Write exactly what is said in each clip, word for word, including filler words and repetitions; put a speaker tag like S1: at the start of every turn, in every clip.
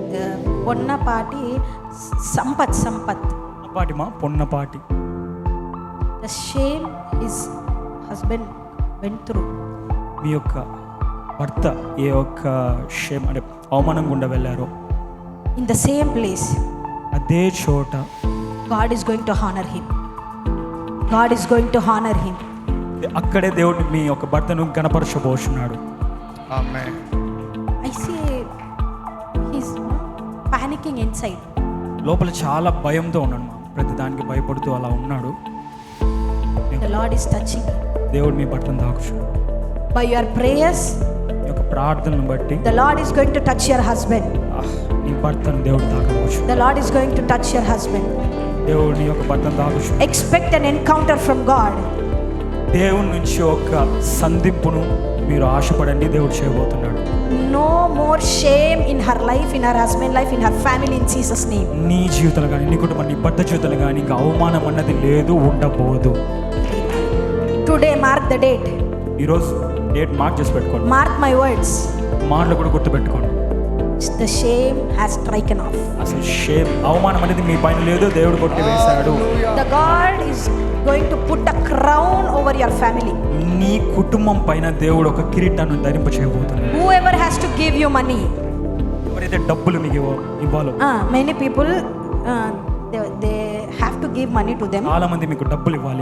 S1: పొన్నపాటి సంపత్ సంపత్
S2: పాటి మా Ponnapati.
S1: The shame his husband went through.
S2: మీ యొక్క భర్త ఏ ఒక్క షేమ్ అంటే అవమానం గుండా వెళ్ళారో
S1: ఇన్ ద సేమ్ ప్లేస్
S2: అదే చోట
S1: God is going to honour him. God is going to honour him.
S2: అక్కడే దేవుడు మీ యొక్క భర్తను గణపరచబోతున్నాడు.
S3: Amen.
S1: I see he's panicking inside.
S2: లోపల చాలా భయంతో ఉన్నాడు మా, ప్రతి దానికి భయపడుతూ అలా ఉన్నాడు.
S1: The Lord is touching.
S2: దేవుడు మీ భర్తను తాకుచున్నాడు.
S1: బై యువర్ ప్రేయర్స్
S2: మీ యొక్క ప్రార్థనను బట్టి
S1: the Lord is going to touch your husband.
S2: Ah, నీ భర్తను దేవుడు తాకవచ్చు.
S1: The Lord is going to touch your husband.
S2: దేవుడు నీ యొక్క భర్తను తాకవచ్చు.
S1: Expect an encounter from God.
S2: దేవుని నుంచి ఒక సంధింపును మీరు ఆశపడండి, దేవుడు చేయబోతున్నాడు.
S1: No more shame in her life, in her husband life, in her family, in Jesus name.
S2: నీ జీవితాలు కానీ నీ కుటుంబం నీ భర్త జీవితాలు కానీ ఇంకా అవమానం అన్నది లేదు, ఉండబోదు.
S1: Today mark the date.
S2: ఈరోజు డేట్ మార్క్ చేసి పెట్టుకోండి.
S1: Mark my words.
S2: మాటలు కూడా గుర్తుపెట్టుకోండి.
S1: The shame has stricken off.
S2: అసలు షేమ్ అవమానం అనేది మీ పైన లేదు, దేవుడు కొట్టి వేశాడు.
S1: The God is going to put a crown over your family.
S2: నీ కుటుంబం పైన దేవుడు ఒక కిరీటాన్ని ధరింప చేయబోతున్నాడు.
S1: Whoever has to give you money.
S2: ఎవరైతే డబ్బులు మీకు ఇవ్వ ఇవ్వాలో
S1: many people they have to give money to them.
S2: చాలా మంది మీకు డబ్బులు ఇవ్వాలి.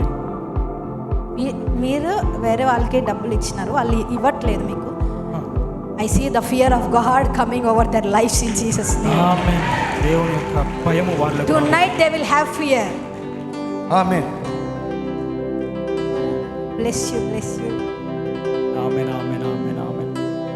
S1: మీరు వేరే వాళ్ళకి డబ్బులు ఇచ్చినారు, వాళ్ళు ఇవ్వట్లేదు మీకు. I see the fear of God coming over their lives in Jesus name.
S2: ఆమేన్. దేవుని యొక్క భయము వాళ్ళకు.
S1: Tonight they will have fear.
S3: Amen.
S1: Bless you, bless you.
S2: Amen, amen, amen.